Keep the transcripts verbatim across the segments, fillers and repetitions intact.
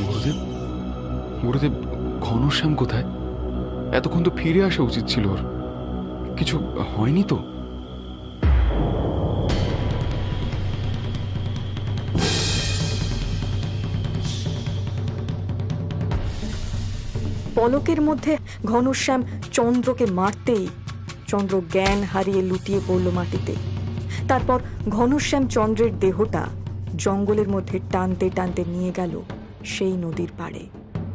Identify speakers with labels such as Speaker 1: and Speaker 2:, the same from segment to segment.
Speaker 1: গুরুদেব, গুরুদেব, ঘনশ্যাম কোথায়? এতক্ষণ তো ফিরে আসা উচিত ছিল ওর। কিছু হয়নি তো?
Speaker 2: পলকের মধ্যে ঘনশ্যাম চন্দ্রকে মারতেই চন্দ্র জ্ঞান হারিয়ে লুটিয়ে পড়ল মাটিতে। তারপর ঘনশ্যাম চন্দ্রের দেহটা জঙ্গলের মধ্যে টানতে টানতে নিয়ে গেল সেই নদীর পাড়ে।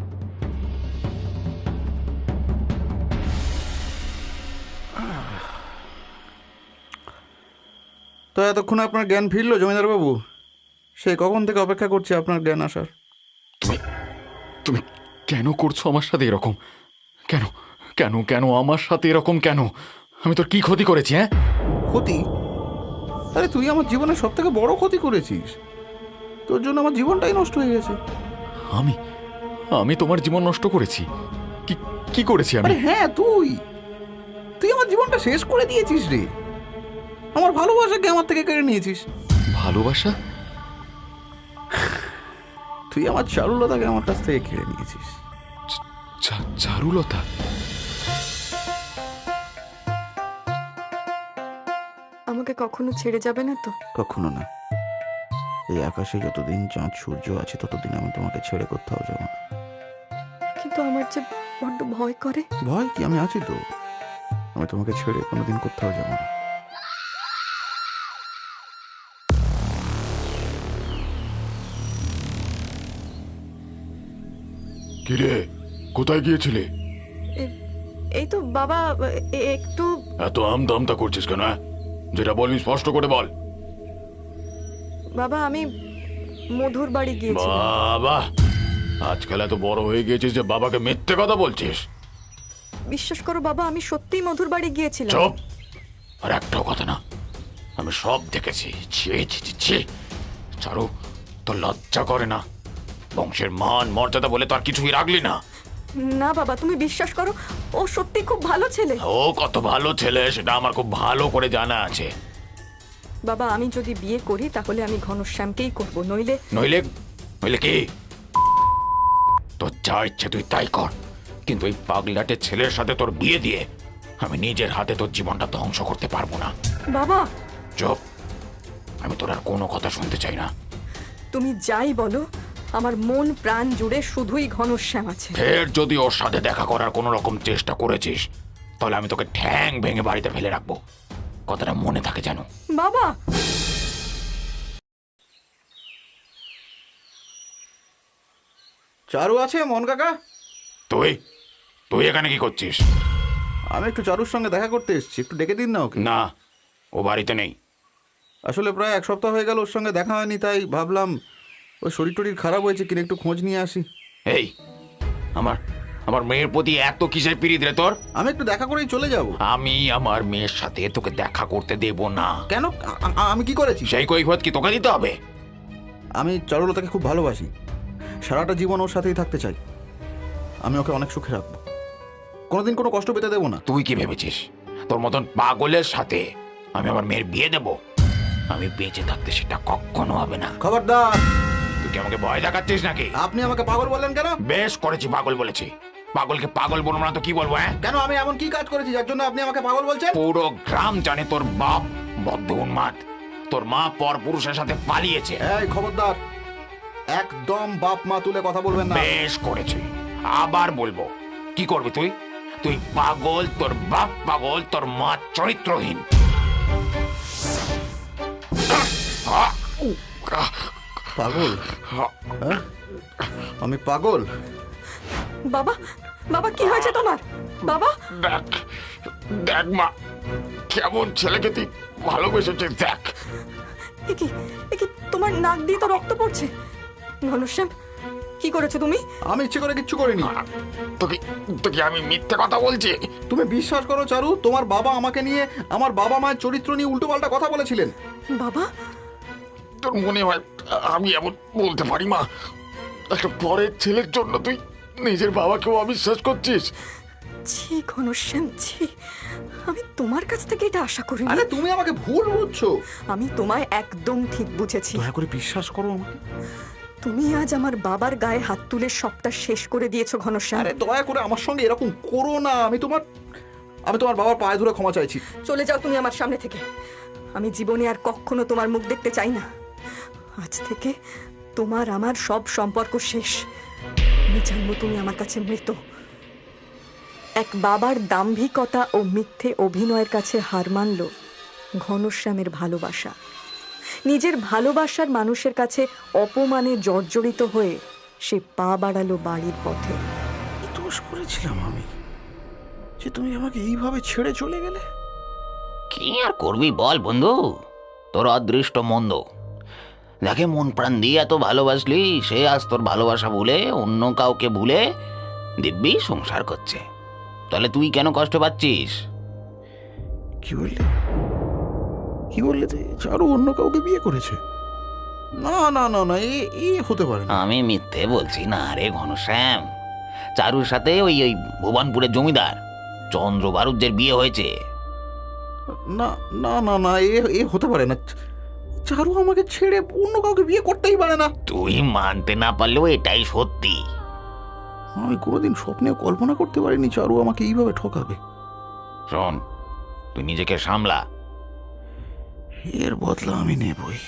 Speaker 3: তো এতক্ষণ আপনার জ্ঞান ফিরল জমিদার বাবু? সেই কখন থেকে অপেক্ষা করছি আপনার জ্ঞান আসার।
Speaker 1: তুমি তুমি কেন করছো আমার সাথে এরকম? কেন কেন কেন আমার সাথে এরকম কেন? আমি তোর কি ক্ষতি করেছি? হ্যাঁ,
Speaker 3: ক্ষতি? আরে তুই আমার জীবনের সব থেকে বড় ক্ষতি করেছিস। তোর জন্য আমার জীবনটাই নষ্ট হয়ে গেছে।
Speaker 1: আমি আমি তোমার জীবন নষ্ট করেছি? কি কি করেছি আমি?
Speaker 3: আরে হ্যাঁ, তুই তুই আমার জীবনটা শেষ করে দিয়েছিস রে। আমার ভালোবাসাকে আমার থেকে কেড়ে নিয়েছিস।
Speaker 1: ভালোবাসা?
Speaker 3: তুই আমার চারুলতাকে আমার কাছ থেকে কেড়ে নিয়েছিস।
Speaker 1: চা- চারুলতা?
Speaker 2: আমাকে কখনো ছেড়ে যাবে না তো?
Speaker 3: কখনো না। এই আকাশে যতদিন চাঁদ সূর্য আছে ততদিন আমি তোমাকে ছেড়ে কোথাও যাব না।
Speaker 2: কিন্তু আমার যে বড্ড ভয় করে।
Speaker 3: ভয় কি? আমি আছি তো। আমি তোমাকে ছেড়ে কোনোদিন কোথাও যাব না।
Speaker 1: কিরে, কোথায় গিয়েছিলে?
Speaker 2: এই তো বাবা, এ- একটু
Speaker 1: এত আমদামতা করছিস কেন? যেটা বলবি স্পষ্ট করে বল।
Speaker 2: বাবা, আমি মধুর বাড়ি গিয়েছি।
Speaker 1: বাবা, আজকাল এত বড় হয়ে গিয়েছিস যে বাবাকে মিথ্যে কথা বলছিস?
Speaker 2: বিশ্বাস করো বাবা, আমি সত্যিই মধুর বাড়ি গিয়েছিলাম।
Speaker 1: চুপ! আর একটাও কথা না। আমি সব দেখেছি। ছি ছি ছি ছি! চারু, তোর লজ্জা করে না? বংশের মান মর্যাদা বলে তো আর কিছুই রাখলি না।
Speaker 2: না বাবা, তুমি বিশ্বাস করো, ও সত্যি খুব ভালো ছেলে।
Speaker 1: ও কত ভালো ছেলে সেটা আমার খুব ভালো করে জানা আছে।
Speaker 2: বাবা, আমি যদি বিয়ে করি তাহলে আমি ঘনশ্যামকেই করব, নইলে
Speaker 1: নইলে নইলে কি? তোর যা ইচ্ছে তুই তাই কর, কিন্তু এই পাগলাটের ছেলের সাথে তোর বিয়ে দিয়ে আমি নিজের হাতে তোর জীবনটা ধ্বংস করতে পারবো না।
Speaker 2: বাবা
Speaker 1: চুপ! আমি তোর আর কোনো কথা শুনতে চাই না।
Speaker 2: তুমি যাই বলো, আমার মন প্রাণ জুড়ে শুধুই ঘনশ্যাম আছে।
Speaker 1: ফের যদি ওর সাথে দেখা করার কোনো রকম চেষ্টা করেছিস তাহলে আমি তোকে ঠ্যাং ভেঙে বাড়িতে ফেলে রাখবো। কথাটা মনে থাকে জানো?
Speaker 2: বাবা,
Speaker 3: চারু আছে মন কাকা?
Speaker 1: তুই তুই এখানে কি করছিস?
Speaker 3: আমি একটু চারুর সঙ্গে দেখা করতে এসেছি, একটু ডেকে দিন না ওকে।
Speaker 1: না, ও বাড়িতে নেই।
Speaker 3: আসলে প্রায় এক সপ্তাহ হয়ে গেল ওর সঙ্গে দেখা হয়নি, তাই ভাবলাম ওই শরীর টরীর খারাপ হয়েছে কিনা একটু খোঁজ নিয়ে আসি।
Speaker 1: এই, আমার আমার মেয়ের প্রতি এত কিসের পিড়িত রে তোর?
Speaker 3: আমি একটু দেখা করেই চলে যাব।
Speaker 1: আমি আমার মেয়ের সাথে তোকে দেখা করতে দেব না।
Speaker 3: কেন? আ- আ- আমি কি করেছি?
Speaker 1: সেই কৈফিয়ত কি তোকে দিতে হবে?
Speaker 3: আমি চারুলতাকে খুব ভালোবাসি, সারাটা জীবন ওর সাথেই থাকতে চাই। আমি ওকে অনেক সুখে রাখবো, কোনোদিন কোনো কষ্ট পেতে দেবো না।
Speaker 1: তুই কি ভেবেছিস তোর মতন পাগলের সাথে আমি আমার মেয়ের বিয়ে দেব? আমি বেঁচে থাকতে সেটা কখনো হবে না।
Speaker 3: খবরদার!
Speaker 1: তুই কি আমাকে ভয় দেখাচ্ছিস নাকি?
Speaker 3: আপনি আমাকে পাগল বললেন কেন?
Speaker 1: বেশ করেছি, পাগল বলেছি। পাগলকে পাগল বলবো না তো কি বলবো? হ্যাঁ,
Speaker 3: কেন? আমি এমন কি কাজ করেছি যার জন্য আপনি আমাকে পাগল বলছেন?
Speaker 1: পুরো গ্রাম জানে তোর বাপ বদ্ধ উন্মাদ। তোর মা পর পুরুষের সাথে পালিয়েছে।
Speaker 3: এই খবরদার! একদম বাপ মা তুলে কথা বলবেন না।
Speaker 1: বেশ করেছি, আবার বলবো। কি করবি তুই? তুই পাগল, তোর বাপ পাগল, তোর মা চরিত্রহীন।
Speaker 3: পাগল? হ্যাঁ? আমি পাগল?
Speaker 2: বাবা, বাবা কি হয়েছে তোমার? বাবা,
Speaker 1: দেখ দেখ মা, কেমন ছেলেকে তুই ভালোবেসেছিস দেখ।
Speaker 2: একি একি তোমার নাক দিয়ে তো রক্ত পড়ছে। ঘনশ্যাম, কি করেছো তুমি?
Speaker 3: আমি ইচ্ছে করে কিচ্ছু করিনি।
Speaker 1: তোকে তোকে আমি মিথ্যে কথা বলছি?
Speaker 3: তুমি বিশ্বাস করো চারু, তোমার বাবা আমাকে নিয়ে, আমার বাবা মায়ের চরিত্র নিয়ে উল্টো পাল্টা কথা বলেছিলেন।
Speaker 2: বাবা,
Speaker 1: তোর মনে হয় আমি এমন বলতে পারি মা? একটা পরের ছেলের জন্য তুই নিজের বাবাকেও অবিশ্বাস করছিস?
Speaker 2: ছি ঘনশ্যাম, ছি। আমি তোমার কাছ থেকে এটা আশা করিনি।
Speaker 3: আরে তুমি আমাকে ভুল বুঝছো।
Speaker 2: আমি তোমায় একদম ঠিক বুঝেছি।
Speaker 3: দয়া করে বিশ্বাস করো আমাকে।
Speaker 2: তুমি আজ আমার বাবার গায়ে হাত তুলে সবটা শেষ করে দিয়েছো ঘনশ্যাম।
Speaker 3: আরে দয়া করে আমার সঙ্গে এরকম করো না। আমি তোমার আমি তোমার বাবার পায়ে ধরে ক্ষমা চাইছি।
Speaker 2: চলে যাও তুমি আমার সামনে থেকে। আমি জীবনে আর কখনো তোমার মুখ দেখতে চাই না। আজ থেকে তোমার আমার সব সম্পর্ক শেষ। আমি জানবো তুমি আমার কাছে মৃত। এক বাবার দাম্ভিকতা ও মিথ্যে অভিনয়ের কাছে হার মানল ঘনশ্যামের ভালোবাসা। নিজের ভালোবাসার মানুষের কাছে অপমানে জর্জরিত হয়ে সে পা বাড়ালো বাড়ির পথে।
Speaker 3: কি দোষ করেছিলাম আমি যে তুমি আমাকে এইভাবে ছেড়ে চলে গেলে?
Speaker 1: কি আর করবি বল বন্ধু, তোর অদৃষ্ট মন্দ। যাকে মন প্রাণ দিয়ে এত ভালোবাসলি সে আজ তোর ভালোবাসা ভুলে অন্য কাউকে ভুলে দিব্যি সংসার করছে। তাহলে তুই কেন কষ্ট পাচ্ছিস?
Speaker 3: কি বললে কি বললে তুই? চারু অন্য কাউকে বিয়ে করেছে? না না না না, এ এ হতে পারে না।
Speaker 1: আমি মিথ্যে বলছি না রে ঘনশ্যাম। চারুর সাথে ওই ওই ভুবনপুরের জমিদার চন্দ্র বারুজ্যের বিয়ে হয়েছে।
Speaker 3: না না না না, এ এ হতে পারে না। চারু আমাকে ছেড়ে অন্য কাউকে বিয়ে করতেই পারে না।
Speaker 1: তুই মানতে না পারলেও এটাই সত্যি।
Speaker 3: আমি কোনোদিন স্বপ্নেও কল্পনা করতে পারিনি চারু আমাকে এইভাবে ঠকাবে।
Speaker 1: শোন, তুই নিজেকে সামলা।
Speaker 3: এর বদলা আমি নেবই।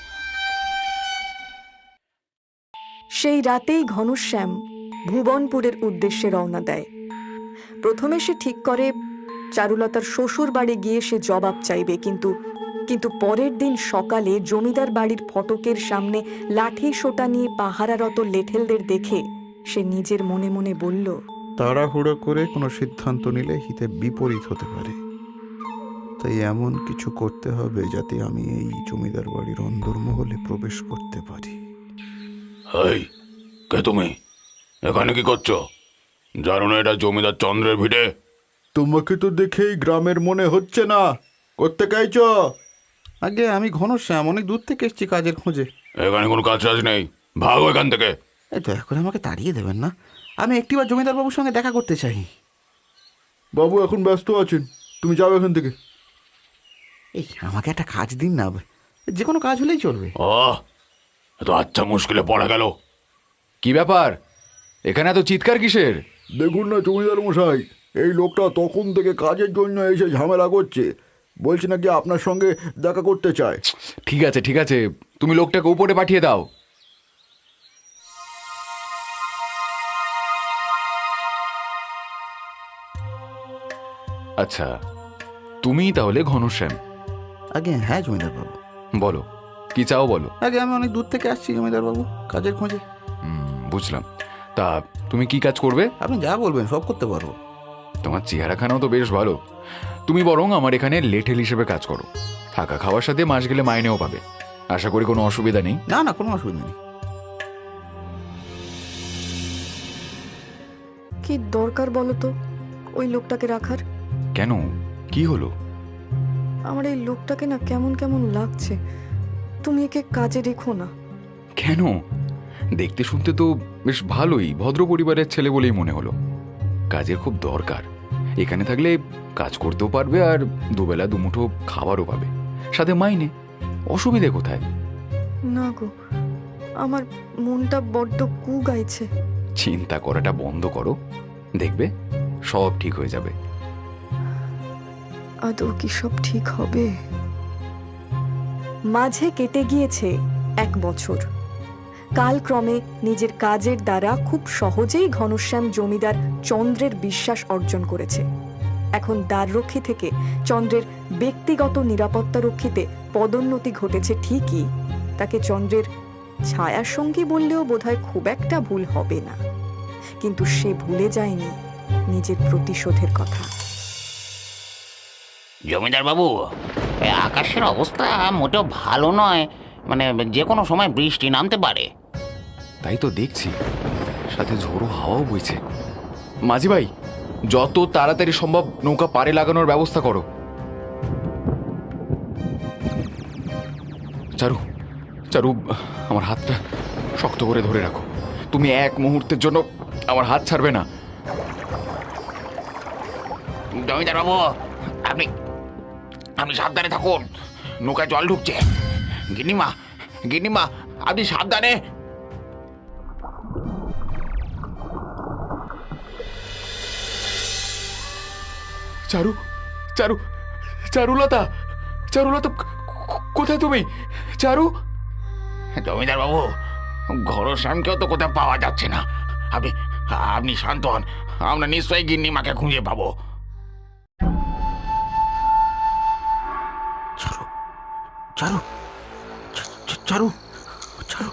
Speaker 2: সেই রাতেই ঘনশ্যাম ভুবনপুরের উদ্দেশ্যে রওনা দেয়। প্রথমে সে ঠিক করে চারুলতার শ্বশুর বাড়ি গিয়ে সে জবাব চাইবে, কিন্তু কিন্তু পরের দিন সকালে জমিদার বাড়ির ফটকের সামনে লাঠি সোটা নিয়ে পাহারারত লেঠেলদের দেখে সে নিজের মনে মনে বলল,
Speaker 3: তাড়াহুড়ো করে কোনো সিদ্ধান্ত নিলে হিতে বিপরীত হতে পারে। তাই এমন কিছু করতে হবে যাতে আমি এই জমিদার বাড়ির অন্দরমহলে প্রবেশ করতে পারি।
Speaker 1: এই কে তুমি? এখানে কি করছো? জানো না এটা জমিদার চন্দ্রের ভিটে?
Speaker 3: তোমাকে তো দেখেই গ্রামের মনে হচ্ছে না। করতে চাইছ? আগে আমি ঘনশ্যাম, অনেক দূর থেকে এসেছি কাজের খোঁজে।
Speaker 1: এখানে কোনো কাজ টাজ নেই, ভাগো এখান থেকে।
Speaker 3: এই দয়া করে আমাকে তাড়িয়ে দেবেন না। আমি একটিবার জমিদার বাবুর সঙ্গে দেখা করতে চাই। বাবু এখন ব্যস্ত আছেন, তুমি যাও এখান থেকে। এই আমাকে একটা কাজ দিন না, যে কোনো কাজ হলেই চলবে।
Speaker 1: ও এত আচ্ছা মুশকিলে পড়া গেল।
Speaker 4: কি ব্যাপার, এখানে এত চিৎকার কিসের?
Speaker 3: দেখুন না জমিদার মশাই, এই লোকটা তখন থেকে কাজের জন্য এসে ঝামেলা করছে। বলছে নাকি আপনার সঙ্গে দেখা করতে চায়।
Speaker 4: ঠিক আছে ঠিক আছে, তুমি লোকটাকে উপরে পাঠিয়ে দাও। আচ্ছা, তুমি তাহলে ঘনশ্যাম?
Speaker 3: আগে হ্যাঁ জমিদার বাবু।
Speaker 4: বলো কি চাও বলো।
Speaker 3: আগে আমি অনেক দূর থেকে আসছি জমিদার বাবু, কাজের খোঁজে।
Speaker 4: হুম, বুঝলাম। তা তুমি কি কাজ করবে?
Speaker 3: আপনি যা বলবেন সব করতে পারবো।
Speaker 4: তোমার চেহারাখানাও তো বেশ ভালো। তুমি বরং আমার এখানে লেঠেল হিসেবে কাজ করো। থাকা খাওয়ার সাথে মাস গেলে মাইনেও পাবে। আশা করি কোনো অসুবিধা নেই।
Speaker 3: না না, কোনো অসুবিধা নেই।
Speaker 2: কি দরকার বলো তো ওই লোকটাকে রাখার?
Speaker 4: কেন, কি হলো?
Speaker 2: আমার এই লোকটাকে না কেমন কেমন লাগছে। তুমি একে কাজে রেখো না।
Speaker 4: কেন? দেখতে শুনতে তো বেশ ভালোই, ভদ্র পরিবারের ছেলে বলেই মনে হলো। কাজের খুব দরকার। এখানে থাকলে কাজ করতেও পারবে আর দুবেলা দুমুঠো খাবারও পাবে, সাথে মাইনে। অসুবিধে কোথায়?
Speaker 2: না গো, আমার মনটা বড্ড কু গাইছে।
Speaker 4: চিন্তা করাটা বন্ধ করো, দেখবে সব ঠিক হয়ে যাবে।
Speaker 2: আদৌ কি সব ঠিক হবে? মাঝে কেটে গিয়েছে এক বছর। কালক্রমে নিজের কাজের দ্বারা খুব সহজেই ঘনশ্যাম জমিদার চন্দ্রের বিশ্বাস অর্জন করেছে। এখন দ্বাররক্ষী থেকে চন্দ্রের ব্যক্তিগত নিরাপত্তারক্ষীতে পদোন্নতি ঘটেছে ঠিকই, তাকে চন্দ্রের ছায়ার সঙ্গী বললেও বোধহয় খুব একটা ভুল হবে না। কিন্তু সে ভুলে যায়নি নিজের প্রতিশোধের কথা।
Speaker 1: জমিদার বাবু, এই আকাশের অবস্থা মোটেও ভালো নয়। মানে যে কোনো সময় বৃষ্টি নামতে পারে।
Speaker 4: তাই তো দেখছি, সাথে ঝোড়ো হাওয়াও বইছে। মাঝি ভাই, যত তাড়াতাড়ি সম্ভব নৌকা পাড়ে লাগানোর ব্যবস্থা করো। চারু, চারু, আমার হাতটা শক্ত করে ধরে রাখো। তুমি এক মুহূর্তের জন্য আমার হাত ছাড়বে না।
Speaker 1: জমিদার বাবু, আপনি আপনি সাবধানে থাকুন, নৌকায় জল ঢুকছে। গিন্নিমা, গিন্নিমা, আপনি সাবধানে।
Speaker 4: চারু, চারু, চারুলতা, চারুলতা, কোথায় তুমি? চারু,
Speaker 1: জমিদার বাবু, ঘনশ্যামকেও তো কোথাও পাওয়া যাচ্ছে না। আপনি আপনি শান্ত হন, আমরা নিশ্চয়ই গিন্নিমাকে খুঁজে পাবো।
Speaker 3: চারু, চারু, চা- চা- চারু, চারু।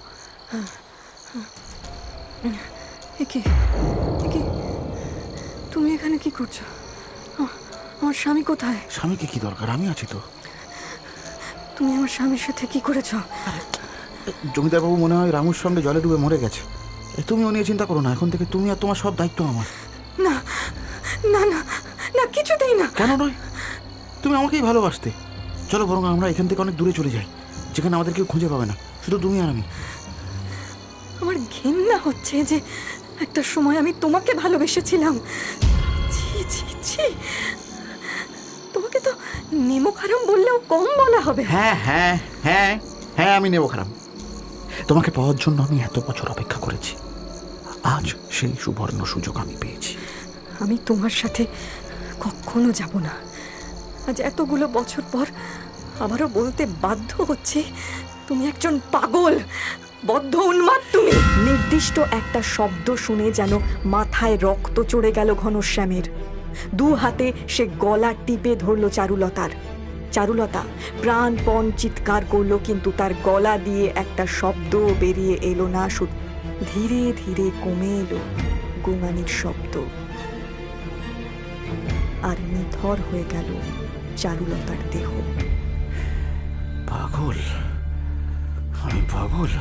Speaker 2: একে একে তুমি এখানে কি করছো? আ- আমার স্বামী কোথায়?
Speaker 3: স্বামীকে কি দরকার? আমি আছি তো।
Speaker 2: তুমি আমার স্বামীর সাথে কি করেছো?
Speaker 3: জমিদার বাবু মনে হয় রামুর সঙ্গে জলে ডুবে মরে গেছে। এ, তুমি ও নিয়ে চিন্তা করো না, এখন থেকে তুমি আর তোমার সব দায়িত্ব আমার।
Speaker 2: না না না না, কিছুতেই না।
Speaker 3: কেন নয়? তুমি আমাকেই ভালোবাসতে। চলো বরং আমরা এখান থেকে অনেক দূরে চলে যাই, যেখানে আমাদের কেউ খুঁজে পাবে না, শুধু তুমি আর আমি।
Speaker 2: আমার ঘেন্না হচ্ছে যে একটা সময় আমি তোমাকে ভালোবেসেছিলাম। ছি ছি ছি, তোমাকে তো নেমো খারাম বললেও কম বলা হবে।
Speaker 3: হ্যাঁ হ্যাঁ হ্যাঁ হ্যাঁ, আমি নেব খারাপ। তোমাকে পাওয়ার জন্য আমি এত বছর অপেক্ষা করেছি, আজ সেই সুবর্ণ সুযোগ আমি পেয়েছি।
Speaker 2: আমি তোমার সাথে কখনো যাব না। আজ এতগুলো বছর পর আবারও বলতে বাধ্য হচ্ছে, তুমি একজন পাগল, বদ্ধ উন্মাদ তুমি। নির্দিষ্ট একটা শব্দ শুনে যেন মাথায় রক্ত চড়ে গেল ঘনশ্যামের। দু হাতে সে গলা টিপে ধরল চারুলতার। চারুলতা প্রাণপণ চিৎকার করলো, কিন্তু তার গলা দিয়ে একটা শব্দ বেরিয়ে এলো না। শুধু ধীরে ধীরে কমে এলো গোঙানির শব্দ, আর নিথর হয়ে গেল চারুলতার দেহ।
Speaker 3: পাগল, আমি পাগল।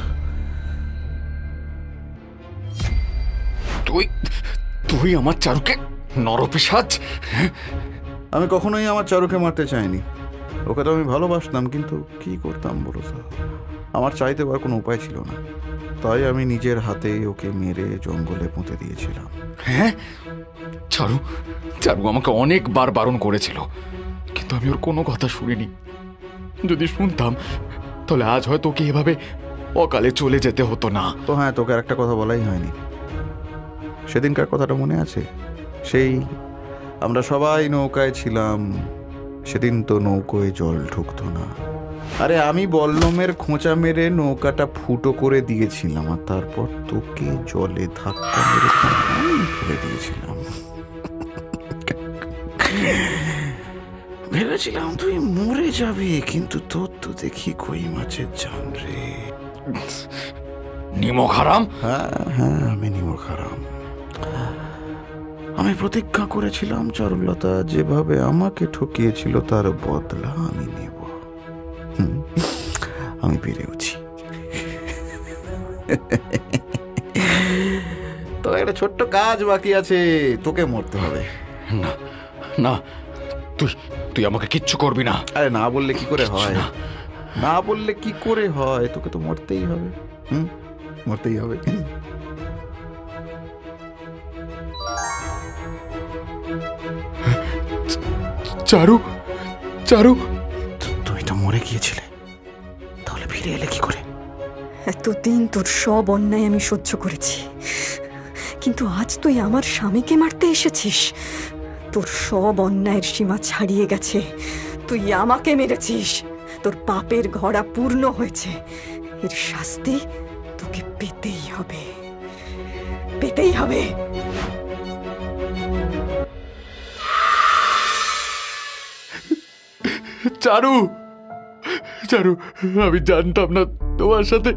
Speaker 4: তুই তুই আমার চারুকে নরপিশাচ!
Speaker 3: আমি কখনোই আমার চারুকে মারতে চাইনি। ওকে তো আমি ভালোবাসতাম, কিন্তু কি করতাম বলো তো? আমার চাইতে পারার কোনো উপায় ছিল না, তাই আমি নিজের হাতেই ওকে মেরে জঙ্গলে পুঁতে দিয়েছিলাম।
Speaker 4: হ্যাঁ, চারু, চারু আমাকে অনেকবার বারণ করেছিল, কিন্তু আমি ওর কোনো কথা শুনিনি। যদি শুনতাম তাহলে আজ হয়তো ওকে এভাবে অকালে চলে যেতে হতো না।
Speaker 3: তো হ্যাঁ, তোকে আর একটা কথা বলাই হয়নি। সেদিনকার কথাটা মনে আছে? সেই আমরা সবাই নৌকায় ছিলাম, সেদিন তো নৌকোয় জল ঢুকতো না। আরে আমি বল্লমের খোঁচা মেরে নৌকাটা ফুটো করে দিয়েছিলাম, আর তারপর তোকে জলে ধাক্কা মেরে ফেলে দিয়েছিলাম। ভেবেছিলাম তুই মরে যাবি, কিন্তু তোর তো দেখি কই মাছের জান রে।
Speaker 4: নিমক হারাম!
Speaker 3: হ্যাঁ হ্যাঁ, আমি নিমক হারাম। আমি প্রতিজ্ঞা করেছিলাম চারুলতা যেভাবে আমাকে ঠকিয়েছিল তার বদলা আমি নেব। হুম, আমি পেরেওছি। তো একটা ছোট্ট কাজ বাকি আছে, তোকে মরতে হবে।
Speaker 4: না না, তুই তুই আমাকে কিচ্ছু করবি না।
Speaker 3: আরে না বললে কি করে
Speaker 4: কিচ্ছু
Speaker 3: হয়?
Speaker 4: না।
Speaker 3: না বললে কি করে হয়? তোকে তো মরতেই হবে। হুম, মরতেই হবে।
Speaker 4: চারু, চারু,
Speaker 3: তু- তুই তো মরে গিয়েছিলে, তাহলে ফিরে এলে কি করে?
Speaker 2: এতদিন তোর সব অন্যায় আমি সহ্য করেছি, কিন্তু আজ তুই আমার স্বামীকে মারতে এসেছিস। তোর সব অন্যায়ের সীমা ছাড়িয়ে গেছে। তুই আমাকে মেরেছিস, তোর পাপের ঘড়া পূর্ণ হয়েছে। এর শাস্তি তোকে পেতেই হবে, পেতেই হবে।
Speaker 4: চারু, চারু, আমি জানতাম না তোমার সাথে।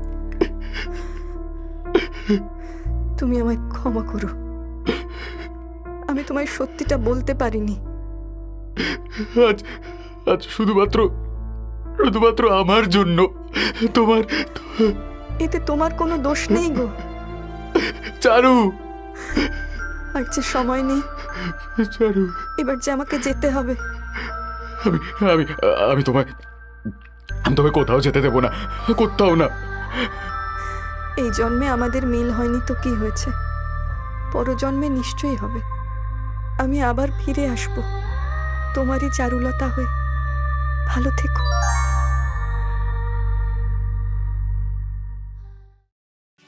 Speaker 2: তুমি আমায় ক্ষমা করো, আমি তোমায় সত্যিটা বলতে পারিনি।
Speaker 4: আজ আজ শুধুমাত্র শুধুমাত্র আমার জন্য তোমার
Speaker 2: এতে তোমার কোনো দোষ নেই গো।
Speaker 4: চারু,
Speaker 2: আর যে সময় নেই,
Speaker 4: চারু,
Speaker 2: এবার যে আমাকে যেতে হবে।
Speaker 4: আমি আমি আমি তোমায় আমি তোমায় কোথাও যেতে দেবো না, কোথাও না।
Speaker 2: এই জন্মে আমাদের মিল হয়নি তো কি হয়েছে, পরজন্মে নিশ্চয়ই হবে। আমি আবার ফিরে আসব তোমারই চারুলতা হয়ে। ভালো থেকো।